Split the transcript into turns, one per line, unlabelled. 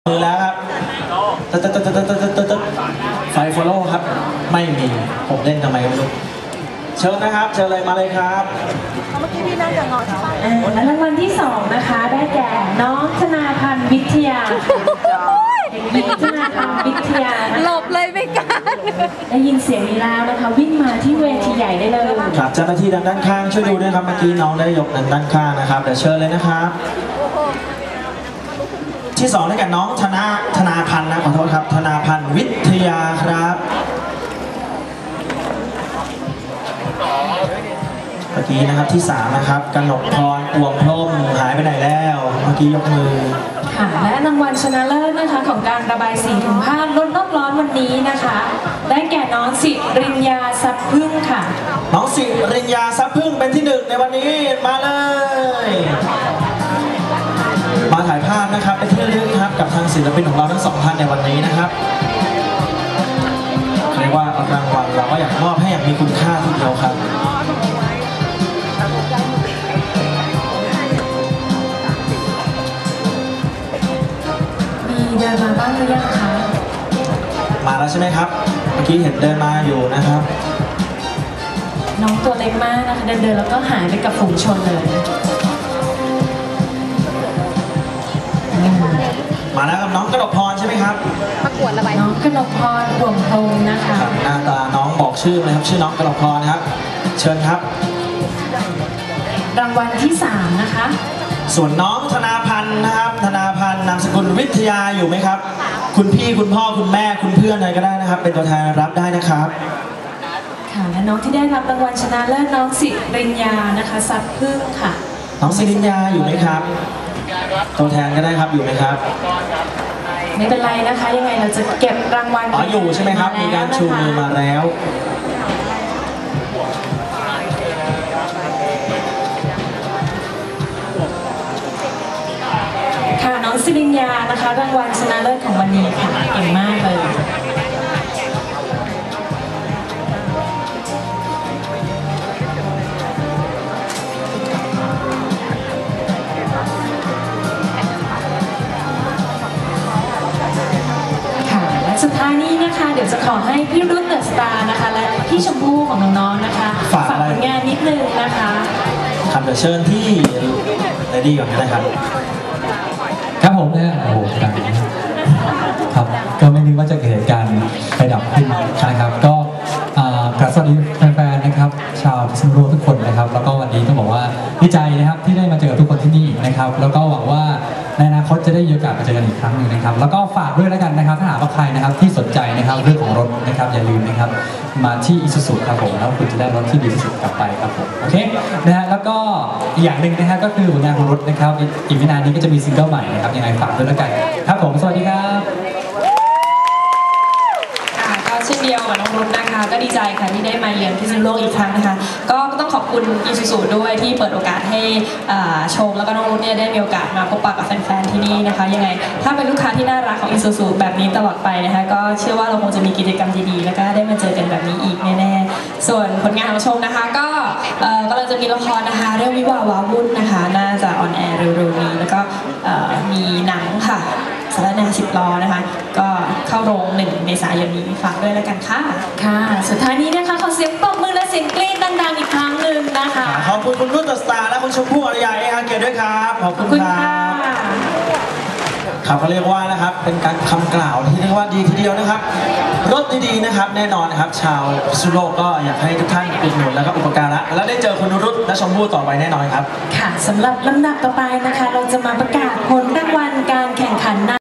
มือแล้วครับไฟฟอลโล่ครับไม่มีผมเล่นทำไมไม่รู้เชิญนะครับเชิญเลยมาเลยครับ
เมื่อกี้พี่นั่งกับงอใช่ไหม
และรางวัลที่2นะคะได้แก่น้องธนาพันธ์วิทยาเด็กหญิงธนาพันธ์วิทยา
หลบเลยไม่กัน
ได้ยินเสียงนี้แล้วนะคะวิ่งมาที่เวทีใหญ่ได้เลย
ครับเจ้าหน้าที่ด้านข้างช่วยดูด้วยครับเมื่อกี้น้องได้ยกด้านข้างนะครับเดี๋ยวเชิญเลยนะครับที่2ได้แก่น้องธนาพันธ์นะขอโทษครับธนาพันธ์วิทยาครับเมื่อกี้นะครับที่3นะครับกนกพรอวมพรมหายไปไหนแล้วเมื่อกี้ยกมือ
ค่ะและรางวัลชนะเลิศนะคะของการระบายสีถุงผ้าลดโลกร้อนวันนี้นะคะได้แก่น้องสิริญญาทรัพย์พึ่งค่ะ
น้องสิริญญาทรัพย์พึ่งเป็นที่1ในวันนี้มาเลยมาถ่ายภาพนะครับเป็นที่ระลึกครับกับทางศิลปินของเราทั้ง2ท่านในวันนี้นะครับเรียกว่ารางวัลเราก็อยากมอบให้อย่างมีคุณค่าทีเดียวครับ
มีเดินมาบ้างหรือยังคะ
มาแล้วใช่ไหมครับเมื่อกี้เห็นเดินมาอยู่นะครับ
น้องตัวเล็กมากนะคะเดินแล้วก็หายไปกับฝูงชนเลย
มาแล้วกับน้องกนกพรใช่ไหมครับ
ประกวดระบาย
น้องกนกพรรวมพงนะคะ
หน้าตาน้องบอกชื่อเลยครับชื่อน้องกนกพรนะครับเชิญครับ
รางวัลที่3นะคะ
ส่วนน้องธนาพันธ์นะครับธนาพันธ์นามสกุลวิทยาอยู่ไหมครับคุณพี่คุณพ่อคุณแม่คุณเพื่อนอะไรก็ได้นะครับเป็นตัวแทนรับได้นะครับ
ค่ะและน้องที่ได้รับรางวัลชนะเลิศน้องสิริญญานะคะทรัพย์พึ่งค่ะ
น้องสิริญญาอยู่ไหมครับตัวแทนก็ได้ครับอยู่ไหมครับ
ไม่เป็นไรนะคะยังไงเราจะเก็บรางวัล
อยู่ใช่ไหมครับมีการชูมือมาแล้ว
ค่ะน้องสิริญญานะคะรางวัลชนะเลิศของวันนี้ค่ะเก่งมากเลยสุดท้ายนี้นะคะเดี๋ยวจะขอให้พี่รุ่นเดอะสตาร์นะคะและพี่ชมพู่ของน้องๆนะคะฝากผลงานนิดนึงนะคะ
ครับเดี๋ยวเชิญที่เลดี้ก่อนนะครับ
ครับผมเนี่ยโอ้โหครับก็ไม่นึกว่าจะเกิดเหตุการณ์ไฟดับขึ้นนะครับก็กราบสวัสดีแฟนๆนะครับชาวพิษณุโลกทุกคนนะครับแล้วก็วันนี้ต้องบอกว่าดีใจนะครับที่ได้มาเจอทุกคนที่นี่นะครับแล้วก็หวังว่าในอนาคตจะได้มีโอกาสมาเจอกันอีกครั้งหนึ่งนะครับแล้วก็ฝากด้วยแล้วกันนะครับถ้าหากว่าใครนะครับที่สนใจนะครับเรื่องของรถนะครับอย่าลืมนะครับมาที่อิซูซุครับผมแล้วคุณจะได้รถที่ดีที่สุดกลับไปครับผมโอเคนะฮะแล้วก็อีกอย่างหนึ่งนะฮะก็คือผลงานของรถนะครับอีกไม่นานนี้ก็จะมีซิงเกิลใหม่นะครับยังไงฝากด้วยแล้วกันครับผมสวัสดีครับ
เช่นเดียวกับน้องรุ่นนะคะก็ดีใจค่ะที่ได้มาเยือนพิษณุโลกอีกครั้งนะคะก็ต้องขอบคุณอีซูซูด้วยที่เปิดโอกาสให้ชมแล้วก็น้องรุ่นเนี่ยได้มีโอกาสมาพบปะกับแฟนๆที่นี่นะคะยังไงถ้าเป็นลูกค้าที่น่ารักของอีซูซูแบบนี้ตลอดไปนะคะก็เชื่อว่าเราคงจะมีกิจกรรมดีๆแล้วก็ได้มาเจอกันแบบนี้อีกแน่ๆส่วนผลงานของชมนะคะก็กำลังจะมีละครนะคะเรื่องวิวาห์ว้าวุ่นนะคะน่าจะออนแอร์เร็วๆนี้แล้วก็มีหนังค่ะสารแน10 ล้อนะคะก็เข้าโรง1 เมษายนนี้ฝากด้วยแล้วกันค่ะค่ะสุดท้ายนี้นะคะขอเสียงปรบมือและเสียงกรี๊ดดังๆอีกครั้งหนึ่งนะคะ
ขอบคุณคุณรุ่นเดอะสตาร์และคุณชมพู่อารยาเอฮังเกตด้วยครับขอบคุณครับครับเขาเรียกว่านะครับเป็นการคำกล่าวที่เรียกว่าดีทีเดียวนะครับรถดีๆนะครับแน่นอนนะครับชาวพิษณุโลกก็อยากให้ทุกท่านอุดหนุนแล้วก็อุปการะและได้เจอคุณรุ่นและชมพู่ต่อไปแน่นอนครับ
ค่ะสำหรับลำดับต่อไปนะคะเราจะมาประกาศผลรางวัลการแข่งขัน